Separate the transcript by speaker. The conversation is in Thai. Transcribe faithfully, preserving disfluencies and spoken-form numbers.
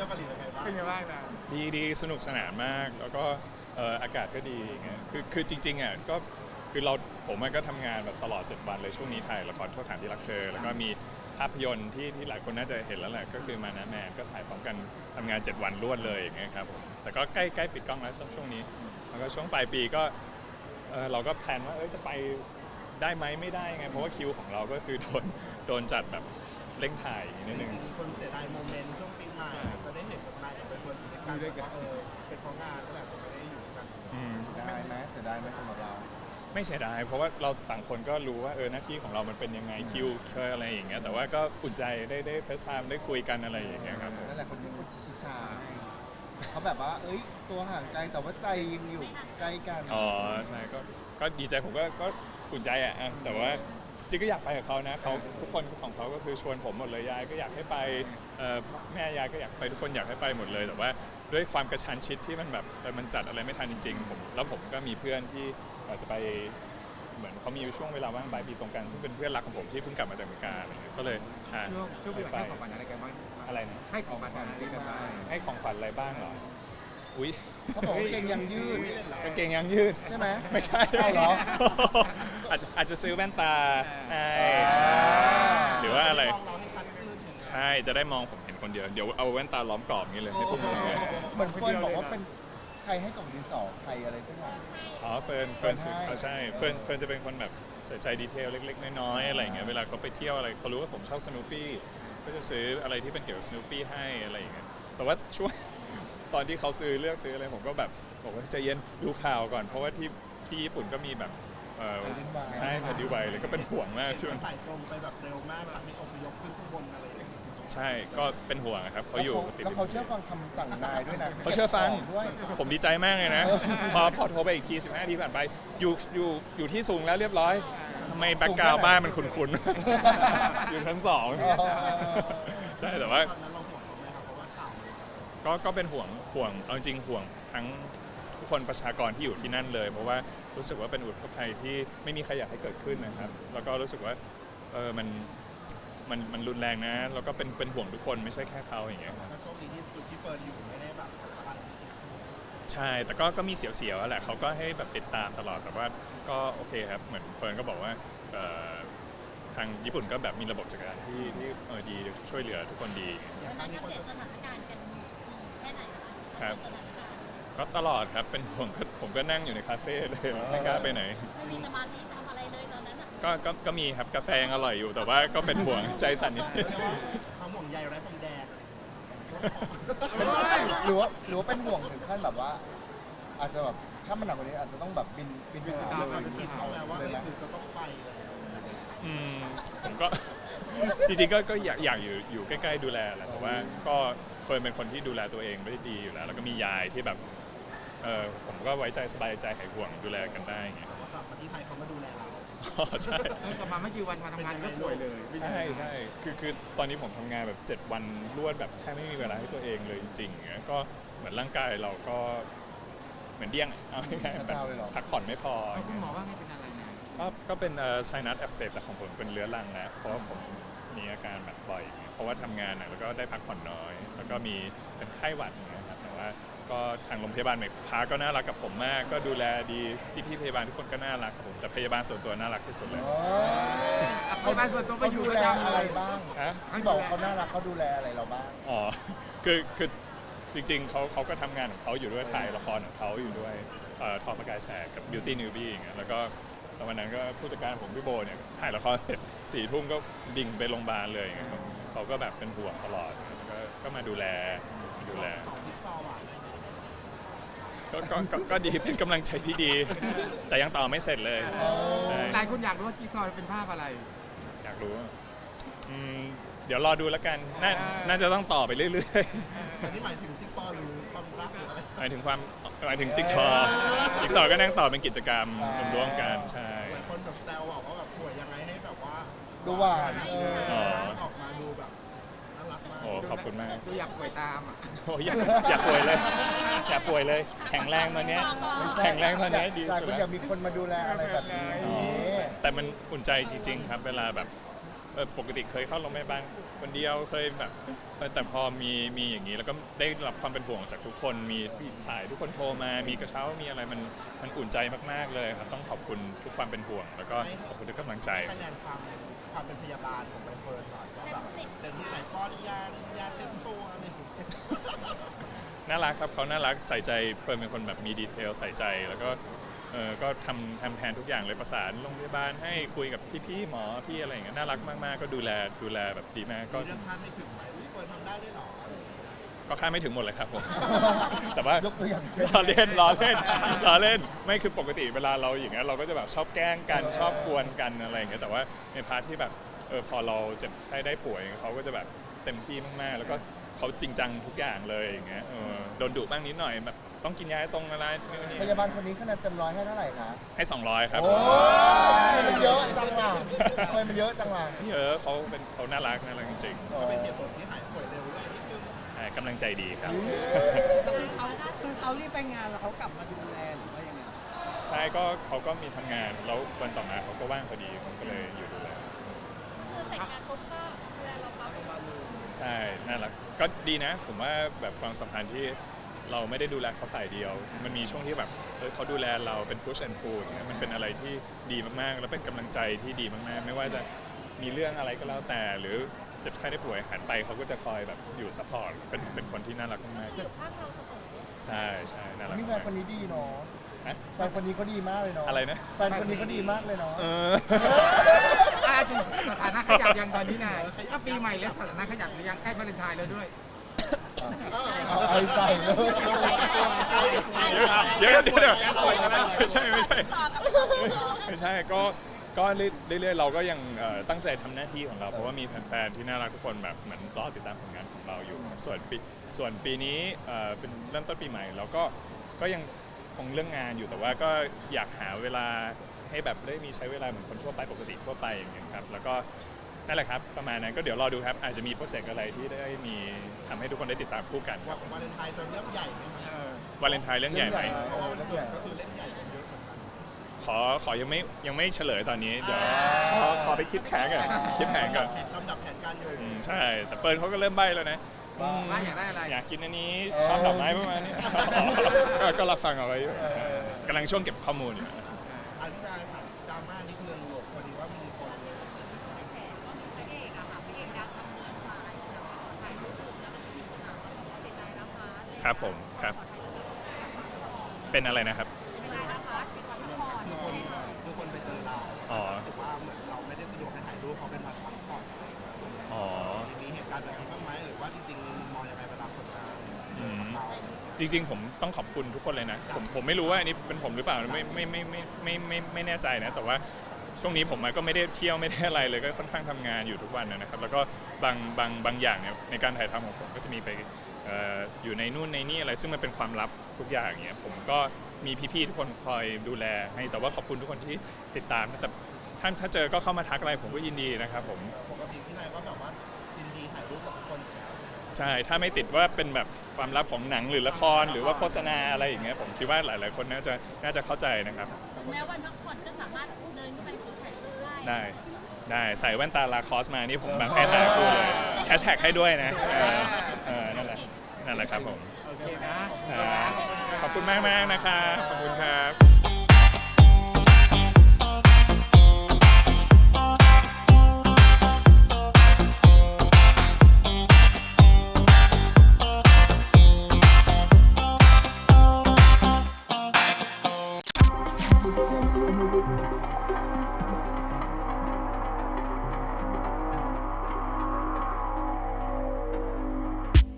Speaker 1: ยวเกาหลีเป็นไงบ้าง
Speaker 2: เป็นไงบ้างนะ
Speaker 3: ดีดีสนุกสนานมากแล้วก็เอ่ออากาศก็ดีอย่างเงี้ยคือคือจริงๆอ่ะก็คือเราผมก็ทำงานแบบตลอดเจ็ดวันเลยช่วงนี้ถ่ายละครโทษฐานที่รักเธอแล้วก็มีภาพยนตร์ที่ที่หลายคนน่าจะเห็นแล้วแหละก็คือมานะแมนก็ถ่ายพร้อมกันทำงานเจ็ดวันรวดเลยอย่างเงี้ยครับผมแต่ก็ใกล้ใกล้ปิดกล้องแล้วช่วงช่วงนี้แล้วก็ช่วงปลายปีก็เออเราก็แพลนว่าเออจะไปได้ไหมไม่ได้ไงเพราะว่าคิวของเราก็คือโดนโดนจัดแบบเร่งถ่ายนิดนึง
Speaker 1: จริงๆคนเสียดายโมเมนต์ช่วงปีใหม่จะได้เห็นแบบนายกับเป็นคนอยู่ด้วยกันว่าเออเป็นเพราะงานก็อาจจะไม่ได้อยู่ด้วยกัน
Speaker 3: อืม
Speaker 2: ได้ไหมเสียดายไหมสำหรับเรา
Speaker 3: ไม่เสียดายเพราะว่าเราต่างคนก็รู้ว่าเออหน้าที่ของเรามันเป็นยังไงคิวเคยอะไรอย่างเงี้ยแต่ว่าก็อุ่นใจได้ได้เฟซไทม์ได้คุยกันอะไรอย่างเงี้ยครับผม
Speaker 2: นั่นแหละคนที่พูดอิจฉาเขาแบบว่าเอ้ยตัวห่างไกลแต่ว่าใจยังอยู่ใกล้กัน
Speaker 3: อ๋อใช่ก็ก็ดีใจผมก็ก็อุ่นใจอ่ะอ่ะแต่ว่าจริงก็อยากไปกับเขานะเขาทุกคนของเขาก็คือชวนผมหมดเลยยายก็อยากให้ไปเอ่อแม่ยายก็อยากไปทุกคนอยากให้ไปหมดเลยแต่ว่าด้วยความกระชั้นชิดที่มันแบบเออมันจัดอะไรไม่ทันจริงๆผมแล้วผมก็มีเพื่อนที่อาจจะไปเหมือนเขามีช่วงเวลาว่างบ่ายปีตรงกันซึ่งเป็นเพื่อนรักของผมที่เพิ่งกลับมาจากอเมริกาอะไรเงี้ยก็เลยอ่า
Speaker 4: ช่วงช่วงปีใหม่ให้ของขวัญอะไรกันบ้าง
Speaker 3: อะไรนะ
Speaker 4: ให้ของขวัญอะไรกันบ้าง
Speaker 3: ให้ของขวัญอะไรบ้างเหรออุ้ย
Speaker 2: เขาบอกว่าเกงยังยืด
Speaker 3: กางเกงยางยืด
Speaker 2: ใช่ไหม
Speaker 3: ไม่ใช่
Speaker 2: เอาเหรอ
Speaker 3: อาจจะอาจจะซื้อแว่นตาให้หรือว่าอะไร
Speaker 1: มองเราให้ชัดขึ้น
Speaker 3: ใช่จะได้มองผมเห็นคนเดียวเดี๋ยวเอาแว่นตาล้อมกรอบอย่างนี้เลยให้พวกมึงเลย
Speaker 2: เหมือนเฟิร์นบอกว่าเป็นใครให้กล่องดินสอใครอะไรสักอย่าง
Speaker 3: อ๋อเฟิร์นเฟิร์น
Speaker 2: เฟิร์นให้
Speaker 3: เขาใช่เฟิร์นเฟิร์นจะเป็นคนแบบใส่ใจดีเทลเล็กๆน้อยๆอะไรอย่างเงี้ยเวลาเขาไปเที่ยวอะไรเขารู้ว่าผมชอบสโนว์ปี้ก็จะซื้ออะไรที่เป็นเกี่ยวกับสโนว์ปี้ให้อะไรอย่างเงี้ยแต่ว่าช่วง ตอนที่เขาซื้อเลือกซื้ออะไรผมก็แบบบอกว่าใจเย็นดูข่าวก่อนเพราะว่าที่ที่ญี่ปุ่นก็มีแบบเอ่อใช่แผ่นดินไหวเลยก็เป็นห่วงมากช่วง
Speaker 1: ใส่ตรงไปแบบเร็วมากเวลามีอพยพขึ้นข้างบนอะไรอย่างเงี้ย
Speaker 3: ใช่ก็เป็นห่วงครับเขาอยู่ติด
Speaker 2: แล้วเขาเชื่อฟังคำสั่งนายด้วยนะ
Speaker 3: เขาเชื่อฟัง
Speaker 2: ด้วย
Speaker 3: ผมดีใจมากเลยนะ พอพอโทรไปอีกทีสิบห้าทีผ่านไปอยู่อยู่อยู่ที่สูงแล้วเรียบร้อยทำไมแบ็กกราวด์บ้านมันคุ้นๆ อยู่ชั้นสองใช่แต่ว่า
Speaker 1: ตอนนั้นเราห่วงเขาไหมครับเพราะว่าข่าวมัน
Speaker 3: ก็ก็เป็นห่วงห่วงเอาจริงห่วงทั้งทุกคนประชากรที่อยู่ที่นั่นเลย เพราะว่ารู้สึกว่าเป็นอุทกภัยที่ไม่มีใครอยากให้เกิดขึ้นนะครับ แล้วก็รู้สึกว่าเออมันมันมันรุนแรงนะแล้วก็เป็นเป็นห่วงทุกคนไม่ใช่แค่เขาอย่างเงี้ยครับ
Speaker 1: ก็โชคดีที่จุดที่เฟิร์นอยู่ไม่ได้แบบอะไรที่สุดใช่ไหม
Speaker 3: ใช่แต่ก็ก็มีเสียวๆแหละเขาก็ให้แบบติดตามตลอดแต่ว่าก็โอเคครับเหมือนเฟิร์นก็บอกว่าเอ่อทางญี่ปุ่นก็แบบมีระบบจัดการที่ที่เออดีช่วยเหลือทุกคนดี
Speaker 5: วันนั้นอัปเดตสถานการณ์กันแค่ไหนคะ
Speaker 3: ครับ
Speaker 5: สถานการณ์
Speaker 3: ก็ตลอดครับเป็นห่วงก็ผมก็นั่งอยู่ในคาเฟ่เลยไม่กล้าไปไหน
Speaker 5: ไม่มีสมาธิทำอะไรเลยตอนนั้นอ่ะ
Speaker 3: ก็ก็ก็มีครับกาแฟยังอร่อยอยู่แต่ว่าก็เป็นห่วงใจสั่นนิดนึง
Speaker 1: เรียกว่าความห่วงใยไร้พรมแดน
Speaker 2: หรือว่าหรือว่าเป็นห่วงถึงขั้นแบบว่า อาจจะแบบถ้ามันหนักกว่านี้อาจจะต้องแบบบินบินไปหา
Speaker 1: ตาม
Speaker 2: เล
Speaker 1: ความ
Speaker 2: ย
Speaker 1: เป็นคิดเขาแล้วว่า
Speaker 2: เล
Speaker 1: เอ้
Speaker 2: ย
Speaker 1: ย
Speaker 2: ไหม
Speaker 1: คุณจะต้องไปแล้ว
Speaker 3: อืมผมก็ จริงๆก็ก็อยากอยากอยู่อยู่ใกล้ๆดูแลแหละแต่ว่าก็เฟิร์นเป็นคนที่ดูแลตัวเองได้ดีอยู่แล้ว แล้วก็มียายที่แบบเออผมก็ไว้ใจสบายใจหายห่วงดูแลกันได้ไง
Speaker 1: แต่ว่ากลับมาที่ไทยเขามาดูแลเรา
Speaker 3: อ๋อใช่
Speaker 4: กลับมาไม่กี่วันมาทำงานก็ป่วยเลย
Speaker 3: ใช่ใช่คือคือตอนนี้ผมทำงานแบบเจ็ดวันรวดแบบแทบไม่มีเวลาให้ตัวเองเลยจริงๆอย่างเงี้ยก็เหมือนร่างกายเราก็เหมือนเดี้ยงอะเอาง่ายๆแบบพักผ่อนไม่พอ
Speaker 4: คุณหมอว่าไงเป็นอะไรนะ
Speaker 3: ก็ก็เป็นไซนัสอักเสบแต่ของผมเป็นเรื้อรังนะเพราะว่าผมมีอาการแบบบ่อยอย่างเงี้ยเพราะว่าทำงานหนักแล้วก็ได้พักผ่อนน้อย แล้วก็มีเป็นไข้หวัดอย่างเงี้ยครับแต่ว่าก็ทางโรงพยาบาลเมกพาก็น่ารักกับผมมาก ก็ดูแลดีพี่พี่ๆพยาบาลทุกคนก็น่ารักกับผมแต่พยาบาลส่วนตัวน่ารักที่สุดเลย
Speaker 2: อ๋อ
Speaker 4: เขาบ้านส่วนตัวไป
Speaker 2: เขา
Speaker 4: อยู่
Speaker 2: ดู
Speaker 4: ประ
Speaker 2: แล
Speaker 4: จำ
Speaker 2: อะไรบ้าง
Speaker 3: ฮะ
Speaker 2: ที่บอกเขาน่ารักเขาดูแลอะไรเราบ้าง
Speaker 3: อ๋อ คือ คือ จริงๆ เขาเขาก็ทำงานของเขาอยู่ด้วยถ่ายละครของเขาอยู่ด้วยเอ่อทอประกายแสงกับ Beauty Newbie อย่างเงี้ย แล้วก็แล้ววันนั้นก็ผู้จัดการผมพี่โบเนี่ยถ่ายละครเสร็จสี่ทุ่มก็ดิ่งไปโรงพยาบาลเลยอย่างเงี้ยครับเขาก็แบบเป็นห่วงตลอดแล้วก็ก็มาดูแลมาดูแล
Speaker 1: ต่อจิ๊กซอว์อ่ะ
Speaker 3: ก็ก็ก็ก็ดี เป็นกำลังใจที่ดี แต่ยังต่อไม่เสร็จเลยใช่
Speaker 4: หลายคนอยากรู้ว่าจิ๊กซอว์เป็นภาพอะไร
Speaker 3: อยากรู้อืมเดี๋ยวรอดูแล้วกัน น่าน่าจะต้องต่อไปเรื่อยๆ
Speaker 1: อันนี้หมายถึงจิ๊กซอว์หรือความรักหรืออะไร
Speaker 3: หมายถึงความหมายถึงจิ๊กซอว์จิ๊กซอว์ก็นั่งต่อเป็นกิจกรรมร่วมๆกันใช่
Speaker 1: หลายคนแบบแซวบอกว่าแบบป่วยยังไงให้แบบว่า
Speaker 2: ดูหวาน
Speaker 1: ขด
Speaker 2: เออ
Speaker 1: เออมันออกมาดูแบบน่ารักมาก
Speaker 3: โอ้ขอบคุณมาก
Speaker 4: ดูอยากป่วยตามอ่ะ
Speaker 3: โอ้ยอยากอยากป่วยเลยอยากป่วยเลย แข็งแรงตอนเนี้ยแข็งแรงตอนเนี้ยดี
Speaker 2: หลาย
Speaker 3: สุ
Speaker 2: ค
Speaker 3: ด
Speaker 2: น
Speaker 3: แล้ว
Speaker 2: อยากมีคนมาดูแลอะไรแบบนี้
Speaker 3: อ๋อแต่มันอุ่นใจจริงๆครับ เวลาแบบเออปกติเคยเข้าโรงพยาบาลคนเดียวเคยแบบเออแต่พอมีมีอย่างนี้แล้วก็ได้รับความเป็นห่วงจากทุกคนมีสายทุกคนโทรมามีกระเช้ามีอะไรมันมันอุ่นใจมากๆเลยครับต้องขอบคุณทุกความเป็นห่วง แล้วก็ขอบคุณทุกกำลังใจ
Speaker 1: คะแนนความความเป็นพยาบาลของใบเฟิร์นหน่อยว่าแบบเต็มที่ไหนป้อนยายาเช็ดตัวอะไรอย่างเงี้ย
Speaker 3: น่ารักครับเขาน่ารักใส่ใจเฟิร์นเป็นคนแบบมีดีเทลใส่ใจแล้วก็เออก็ทำทำแทนทุกอย่างเลยประสานโรงพยาบาลให้คุยกับพี่ๆหมอพี่อะไรอย่างเงี้ยน่ารักมากๆก็ดูแลดูแลแบบดีมากก็
Speaker 1: มีเรื่องคาดไม่ถึงไหมอุ๊ยเฟิร์นทำได้ด้วยเหรอ
Speaker 3: ก็คาดไม่ถึงหมดเลยครับผม แต่ว่าย
Speaker 2: กตัวอย่างเช่น
Speaker 3: ล้อเล่นล้อเล่นล้อเล่นไม่คือปกติเวลาเราอย่างเงี้ยเราก็จะแบบชอบแกล้งกันชอบกวนกันอะไรอย่างเงี้ยแต่ว่าในพาร์ทที่แบบเออพอเราเจ็บไข้ได้ป่วยเขาก็จะแบบเต็มที่มากๆแล้วก็เขาจริงจังทุกอย่างเลยอย่างเงี้ยเออโดนดุบ้างนิดหน่อยแบบต้องกินยาให้ตรงอะไรนู่นนี่
Speaker 2: พยาบาลคนนี้คะแนนเต็มร้อยให้เท่าไหร่คะ
Speaker 3: ให้สองร้อยครับ
Speaker 2: โอ้ยมันเยอะจังล่ะทำไมมันเยอะจังล่ะ
Speaker 3: เยอะเขาเป็นเขาน่ารักน่ารักจริง
Speaker 1: ก็เป็นเหตุผลที่หายป่วยเร็วด้วยนิดนึง
Speaker 3: ๆอ่ากำลังใจดีครับ
Speaker 6: คือเขาคือเขารีบไปงานแล้วเขากลับมาดูแลหรือว่ายังไง
Speaker 3: ใช่ก็เขาก็มีทำงานแล้ววันต่อมาเขาก็ว่างพอดีผมก็เลยอยู่ดูแล
Speaker 5: คือแต่งงานปุ๊บก็ดูแลเราปั๊บ
Speaker 3: ใช่ น่ารัก ก็ดีนะ ผมว่าแบบความสัมพันธ์ที่เราไม่ได้ดูแลเขาฝ่ายเดียว มันมีช่วงที่แบบเออเขาดูแลเราเป็น push and pull อย่างเงี้ยมันเป็นอะไรที่ดีมากๆ แล้วเป็นกำลังใจที่ดีมากๆ ไม่ว่าจะมีเรื่องอะไรก็แล้วแต่ หรือเจ็บไข้ได้ป่วยหันไปเขาก็จะคอยแบบอยู่ซัพพอร์ต เป็นเป็นคนที่น่ารักมาก
Speaker 5: อยู่ข้างเราเสมอ
Speaker 3: ๆ ใช่ใช่น่ารัก
Speaker 2: นี่แฟนคนนี้ดีเนาะ
Speaker 3: นะ
Speaker 2: แฟนคนนี้เขาดีมากเลยเนาะ
Speaker 3: อะไรนะ
Speaker 2: แฟนคนนี้เขาดีมากเลยเนาะ
Speaker 3: เออ
Speaker 4: อ่าจริงสถานะขยับยังตอนนี้นายก็ปีใหม่แล้วสถานะขยับหรือยังใกล้วาเลนไทน์แล้วด้วย
Speaker 2: เอาไอใส่เลย
Speaker 3: เดี๋ยวเดี๋ยวเดี๋ยวไม่ใช่ไม่ใช่
Speaker 5: ต่อกับ
Speaker 3: ไม่ใช่ก็ก็เรื่อยๆเราก็ยังเอ่อตั้งใจทำหน้าที่ของเรา เพราะว่ามีแฟนๆที่น่ารักทุกคนแบบเหมือนรอติดตามผลงานของเราอยู่ครับส่วนปีส่วนปีนี้เอ่อเป็นเริ่มต้นปีใหม่เราก็ก็ยังคงเรื่องงานอยู่แต่ว่าก็อยากหาเวลาให้แบบได้มีใช้เวลาเหมือนคนทั่วไปปกติทั่วไปอย่างเงี้ยครับแล้วก็นั่นแหละครับประมาณนั้นก็เดี๋ยวรอดูครับอาจจะมีโปรเจกต์อะไรที่ได้มีทำให้ทุกคนได้ติดตามคู่กันครับ
Speaker 1: วาเลนไทน์จะเรื่องใหญ่ไหมคะ
Speaker 3: วาเลนไทน์เรื่องใหญ่ไหม
Speaker 1: เพราะว่าวันเกิดก็คือเล่นใหญ่กันเยอะเหมือนกัน
Speaker 3: ขอขอยังไม่ยังไม่เฉลยตอนนี้เดี๋ยวขอขอไปคิดแผนก่อนคิดแผนก่อน
Speaker 1: ลำดับแผนการอยู่
Speaker 3: อืมใช่แต่เฟิร์นเขาก็เริ่มใบ้แล้วนะ
Speaker 2: ว่า
Speaker 4: ว่าอยากได้อะไร
Speaker 3: อยากกินอันนี้ชอบดอกไม้ประมาณนี้ ก็ก็รับฟังเอาไว้อยู่กำลังช่วงเก็บข้อมูลอยู่
Speaker 1: อันนี้นายถามดราม่านิดนึงหลบพอดีว่ามีคน
Speaker 5: ไปแฉว่ามีพระเอกอะค่ะพระเอกดังทำเนินสายแต่ว่าขอถ่ายรูปแล้วมันมีคนถามว่าบอกว่าเป็นนายนภัส
Speaker 3: ครับผมครับ เป็นอะไรนะครับ
Speaker 5: เป็นนายนภัสเป็นวันพักผ่อน
Speaker 1: คือคนคือคนไปเจอเรา
Speaker 3: อ๋อ
Speaker 1: รู้สึกว่าเหมือนเราไม่ได้สะดวกให้ถ่ายรูปเขาเป็นวันพักผ่อน
Speaker 3: อ๋อ
Speaker 1: มีเหตุการณ์แบบนี้บ้างไหมหรือว่าจริงๆมองยังไงเวลาคนมาเจอกับเรา
Speaker 3: จริงๆ ผมต้องขอบคุณทุกคนเลยนะ ผมผมไม่รู้ว่าอันนี้เป็นผมหรือเปล่าไม่ไม่ไม่ไม่ไม่ไม่ไม่แน่ใจนะ แต่ว่าช่วงนี้ผมก็ไม่ได้เที่ยวไม่ได้อะไรเลยก็ค่อนข้างทำงานอยู่ทุกวันนะครับ แล้วก็บางบางบางอย่างเนี่ยในการถ่ายทำของผมก็จะมีไปเอ่ออยู่ในนู่นในนี่อะไรซึ่งมันเป็นความลับทุกอย่างเงี้ยผมก็มีพี่ๆทุกคนคอยดูแลให้แต่ว่าขอบคุณทุกคนที่ติดตามนะแต่ท่านถ้าเจอก็เข้ามาทักอะไรผมก็ยินดีนะครับผม
Speaker 1: ปกติพี่นายก็แบบว่ายินดีถ่ายรูปกับคนอยู่แล้ว
Speaker 3: ใช่ถ้าไม่ติดว่าเป็นแบบความลับของหนังหรือละครหรือว่าโฆษณาอะไรอย่างเงี้ยผมคิดว่าหลายๆคนน่าจะน่าจะเข้าใจนะครับ
Speaker 5: ถึงแม้วันพักผ่อนก็สามารถเดินเข้าไปขอถ่ายรูปได้
Speaker 3: ได้ได้ใส่แว่นตาลาคอสมานี่ผมแบบให้ถ่ายคู่เลยแฮชแท็กให้ด้วยนะเออเออนั่นแหละนั่นแหละครับผม
Speaker 4: โอเคนะ
Speaker 3: อ่าขอบคุณมากมากๆนะครับขอบคุณครับ